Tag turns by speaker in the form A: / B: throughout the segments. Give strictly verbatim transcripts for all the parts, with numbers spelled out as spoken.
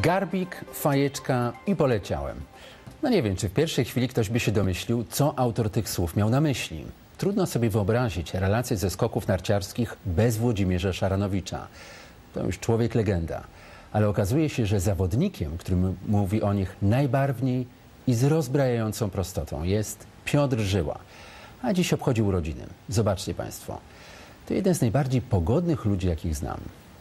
A: Garbik, fajeczka i poleciałem. No nie wiem, czy w pierwszej chwili ktoś by się domyślił, co autor tych słów miał na myśli. Trudno sobie wyobrazić relacje ze skoków narciarskich bez Włodzimierza Szaranowicza. To już człowiek legenda. Ale okazuje się, że zawodnikiem, który mówi o nich najbarwniej i z rozbrajającą prostotą, jest Piotr Żyła. A dziś obchodzi urodziny. Zobaczcie Państwo. To jeden z najbardziej pogodnych ludzi, jakich znam.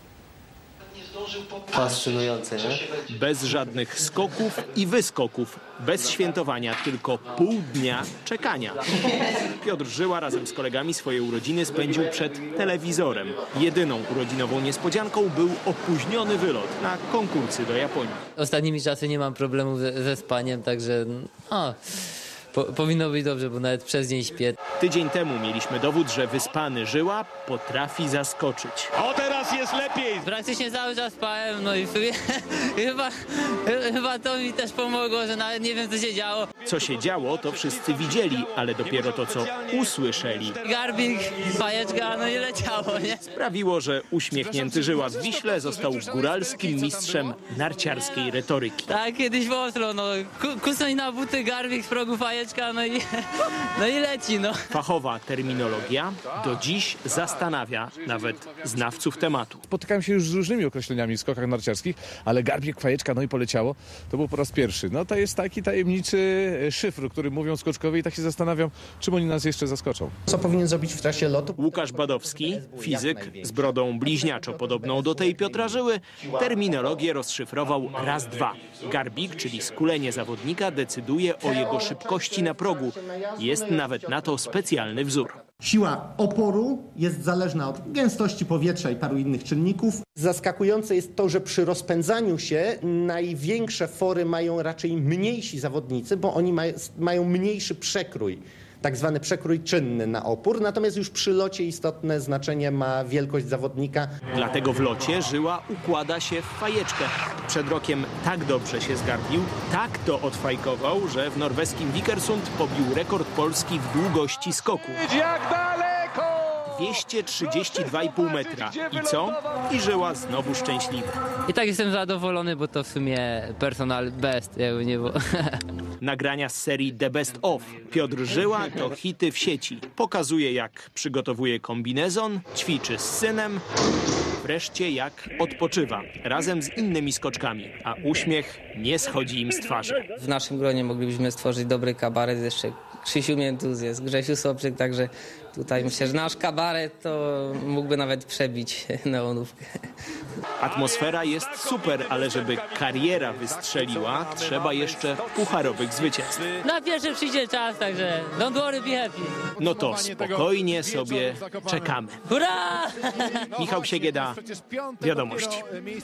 B: Fascynujące, nie?
C: Bez żadnych skoków i wyskoków. Bez świętowania, tylko pół dnia czekania. Piotr Żyła razem z kolegami swoje urodziny spędził przed telewizorem. Jedyną urodzinową niespodzianką był opóźniony wylot na konkursy do Japonii.
B: Ostatnimi czasy nie mam problemów ze, ze spaniem, także o, po, powinno być dobrze, bo nawet przez dzień śpię.
C: Tydzień temu mieliśmy dowód, że wyspany Żyła potrafi zaskoczyć.
D: O, teraz jest lepiej!
B: Praktycznie cały czas spałem, no i w sumie chyba, chyba to mi też pomogło, że nawet nie wiem, co się działo.
C: Co się działo, to wszyscy widzieli, ale dopiero to, co usłyszeli,
B: Garbik, fajeczka, no i leciało, nie?
C: sprawiło, że uśmiechnięty Żyła w Wiśle został góralskim mistrzem narciarskiej retoryki.
B: Tak, kiedyś w Oslo, no, kusnąć na buty, Garbik z progu, fajeczka, no i, no i leci, no.
C: Fachowa terminologia do dziś zastanawia nawet znawców tematu.
D: Spotykałem się już z różnymi określeniami w skokach narciarskich, ale garbik, fajeczka, no i poleciało. To był po raz pierwszy. No to jest taki tajemniczy szyfr, o którym mówią skoczkowie i tak się zastanawiam, czym oni nas jeszcze zaskoczą.
E: Co powinien zrobić w trakcie lotu?
C: Łukasz Badowski, fizyk z brodą bliźniaczo podobną do tej Piotra Żyły, terminologię rozszyfrował raz, dwa. Garbik, czyli skulenie zawodnika, decyduje o jego szybkości na progu. Jest nawet na to specjalny wzór.
F: Siła oporu jest zależna od gęstości powietrza i paru innych czynników.
E: Zaskakujące jest to, że przy rozpędzaniu się największe fory mają raczej mniejsi zawodnicy, bo oni maj, mają mniejszy przekrój, tak zwany przekrój czynny na opór, natomiast już przy locie istotne znaczenie ma wielkość zawodnika.
C: Dlatego w locie Żyła układa się w fajeczkę. Przed rokiem tak dobrze się zgarbił, tak to odfajkował, że w norweskim Vikersund pobił rekord Polski w długości skoku.
D: Jak daleko!
C: dwieście trzydzieści dwa i pół metra. I co? I Żyła znowu szczęśliwy.
B: I tak jestem zadowolony, bo to w sumie personal best, jakby nie było.
C: Nagrania z serii The Best Of. Piotr Żyła to hity w sieci. Pokazuje, jak przygotowuje kombinezon, ćwiczy z synem, wreszcie jak odpoczywa razem z innymi skoczkami, a uśmiech nie schodzi im z twarzy.
G: W naszym gronie moglibyśmy stworzyć dobry kabaret, jeszcze Krzysiu Miętuz jest, Grzesiu Sobczyk, także tutaj myślę, że nasz kabaret to mógłby nawet przebić neonówkę.
C: Atmosfera jest super, ale żeby kariera wystrzeliła, trzeba jeszcze pucharowych zwycięstw.
B: Na pierwszy przyjdzie czas, także don't worry, be happy.
C: No to spokojnie sobie czekamy.
B: Hurra!
C: Michał Siegieda, Wiadomości.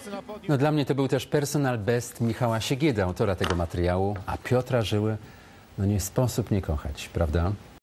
A: No dla mnie to był też personal best Michała Siegieda, autora tego materiału, a Piotra Żyły, no nie sposób nie kochać, prawda?